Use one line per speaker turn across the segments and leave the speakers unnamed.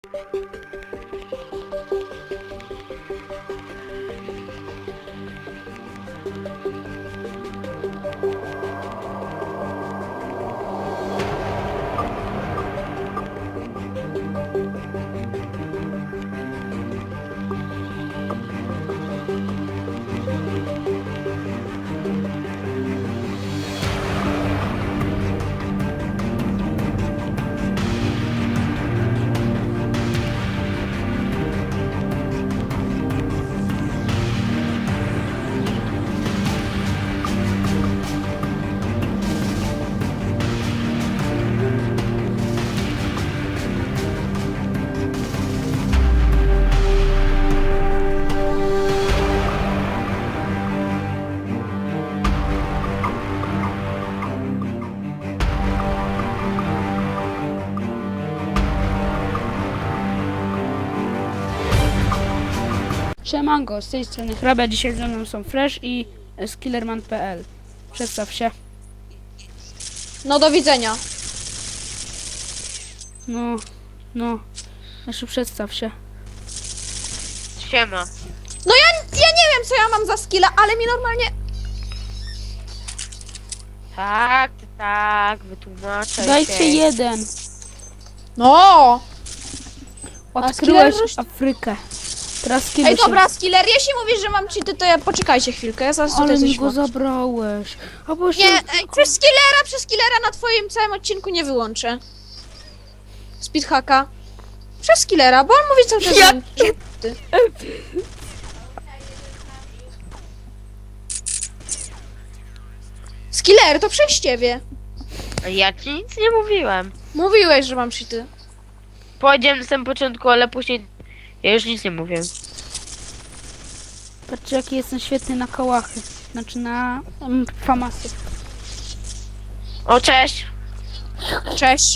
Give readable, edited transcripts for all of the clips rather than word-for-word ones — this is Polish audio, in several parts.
Siemanko, z tej strony Hrabia, dzisiaj ze mną są Fresh i Skillerman.pl. Przedstaw się.
No do widzenia.
Jeszcze przedstaw się.
Siema.
No ja nie wiem co ja mam za skilla, ale mi normalnie...
Tak, wytłumaczę
Dajcie
się.
jeden.
No!
Odkryłeś
Skiller-
Afrykę. Teraz
Ej
skiller się...
dobra, skiller, jeśli mówisz, że mam cheaty, to ja poczekajcie chwilkę, ja zaraz
Ale
tutaj
mi
coś
go
mam.
zabrałeś. A bo jeszcze...
Nie, ej, przez skillera na twoim całym odcinku nie wyłączę. Speedhacka. Przez skillera, bo on mówi cały czas, że mam cheaty. Skiller, to przez ciebie.
Ja ci nic nie mówiłem.
Mówiłeś, że mam cheaty.
Powiedziałem na samym początku, ale później ja już nic nie mówię.
Patrzcie, jaki jestem świetny na kołachy. Znaczy na famasy.
O, cześć.
Cześć.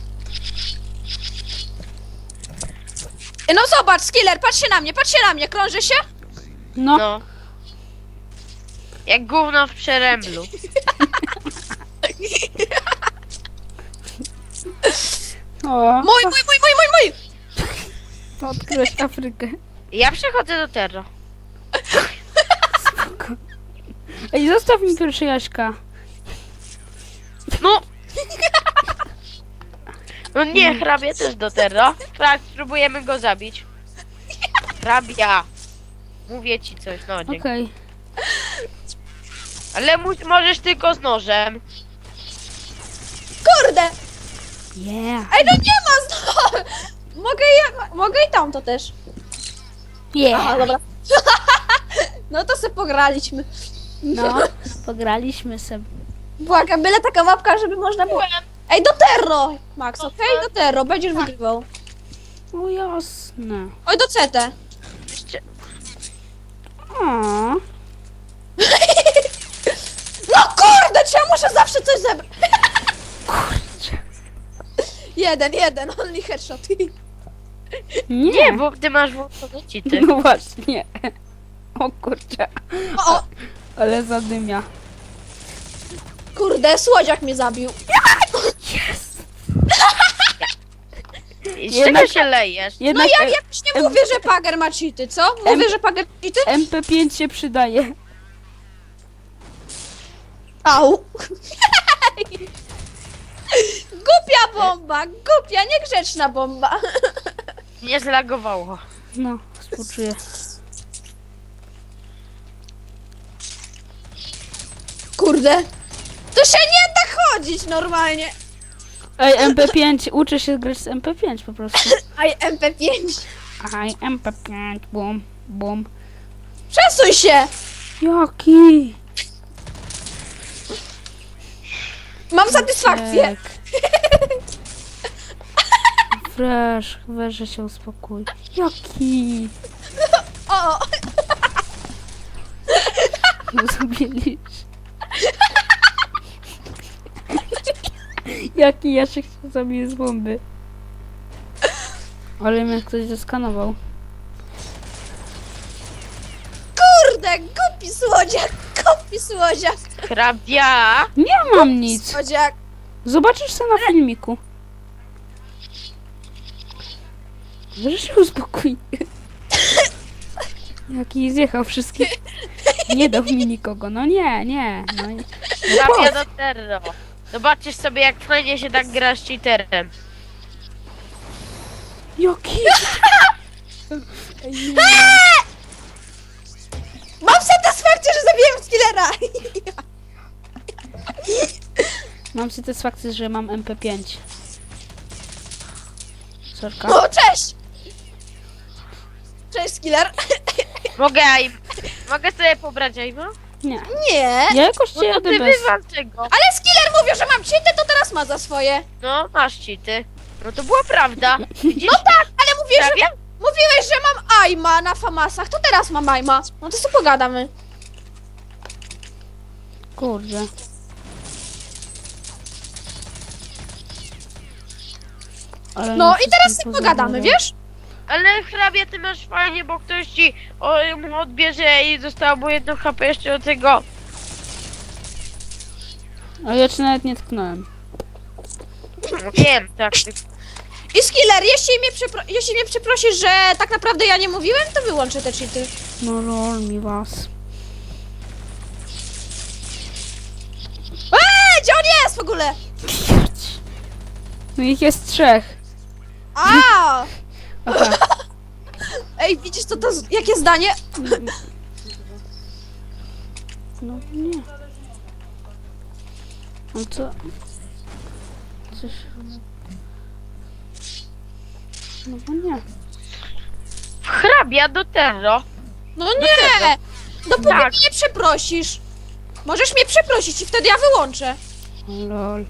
No zobacz, skiller, patrz się na mnie, krążę się?
No.
No. Jak gówno w przeręblu.
O,
Mój!
odkryłeś Afrykę.
Ja przechodzę do Terra.
Spoko. Ej, zostaw mi pierwszy Jaśka.
No. No nie, hrabia też do Terra. Tak, spróbujemy go zabić. Hrabia. Mówię ci coś, no dzięki.
Okej.
Ale możesz tylko z nożem.
Kurde!
Yeah.
Ej, no nie ma znowu! Mogę i tam to też.
Yeah.
Aha, dobra. No to se pograliśmy.
No, pograliśmy sobie.
Błagam, byle taka mapka, żeby można było... Ej, do Terro! Max, okej? Do Terro, będziesz wygrywał.
O jasne.
Oj, do CT.
Jeszcze...
O,
No kurde, czy ja muszę zawsze coś zebrać?
kurczę.
Jeden, only headshot.
Nie, bo ty masz włączone cheaty.
No właśnie. O kurczę.
O,
Ale zadymia.
kurde, słodziak mnie zabił.
Jest.
I z
Jednak-
czego się lejesz?
No
Jednak
ja jakoś nie mówię, że Pager ma cheaty, co? Mówię, że Pager ma cheaty?
MP5 się przydaje.
Au. Głupia bomba, głupia, niegrzeczna bomba.
Nie zlagowało.
No, współczuję.
Kurde. To się nie da chodzić normalnie.
Ej, MP5, uczę się grać z MP5 po prostu.
Aj, MP5.
Aj, MP5, bum, bum.
Przesuń się.
Jaki?
Mam satysfakcję.
Tak. Fresh, weź, że się uspokój. Jaki?
O,
Zabiliś. Jaki ja się chcę zabiję z bomby. Ale mnie ktoś zeskanował.
kurde, głupi słodziak.
Hrabia!
Nie mam nic.
Słodziak.
Zobaczysz co na filmiku. Że się uspokój. Jaki zjechał wszystkich. Nie dał mi nikogo. No nie, nie. No,
Hrabia do terro. Zobaczysz sobie, jak fajnie się tak gra z cheaterem.
jaki? Ej, nie.
Mam satysfakcję, że zabiłem skillera!
Mam satysfakcję, że mam MP5. Sorka.
O, cześć! Cześć, skiller.
Mogę sobie pobrać aima?
Nie.
Nie.
Ja jakoś
No
cię
to
jadę
ty
bez...
wywal tego.
Ale skiller mówił, że mam cheaty, to teraz ma za swoje.
No, masz cheaty. No to była prawda. Widzisz?
No tak, ale
Hrabia?
mówiłeś, że mam aima na famasach, to teraz mam aima. No to sobie pogadamy.
Kurde. Ale
No
mi
i teraz
wszystkim
sobie pogadamy,
pozabierał.
wiesz?
Ale hrabia, ty masz fajnie, bo ktoś ci mu odbierze i zostało mu 1 HP jeszcze do tego.
A ja cię nawet nie tknąłem.
No wiem, tak.
I skiller, jeśli mnie przeprosisz, że tak naprawdę ja nie mówiłem, to wyłączę te cheaty.
No lol mi was.
Gdzie on jest w ogóle?
No ich jest 3.
A!
Aha.
Ej, widzisz co to, jakie zdanie?
No nie. No co? Coś... No bo nie.
Hrabia do terro.
No nie! Dopóki
Tak.
mnie nie przeprosisz. Możesz mnie przeprosić i wtedy ja wyłączę.
O, lol.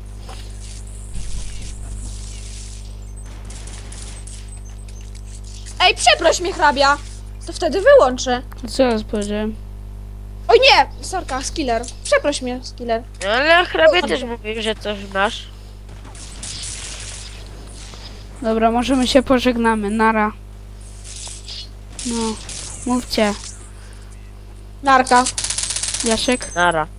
Ej, przeproś mnie, hrabia. To wtedy wyłączę.
Co ja powiedziałem?
Oj nie! Sorka, skiller. Przeproś mnie, skiller.
No, ale hrabia też mówił, że coś masz.
Dobra, możemy się pożegnamy. Nara. No. Mówcie.
Narka.
Jasiek?
Nara.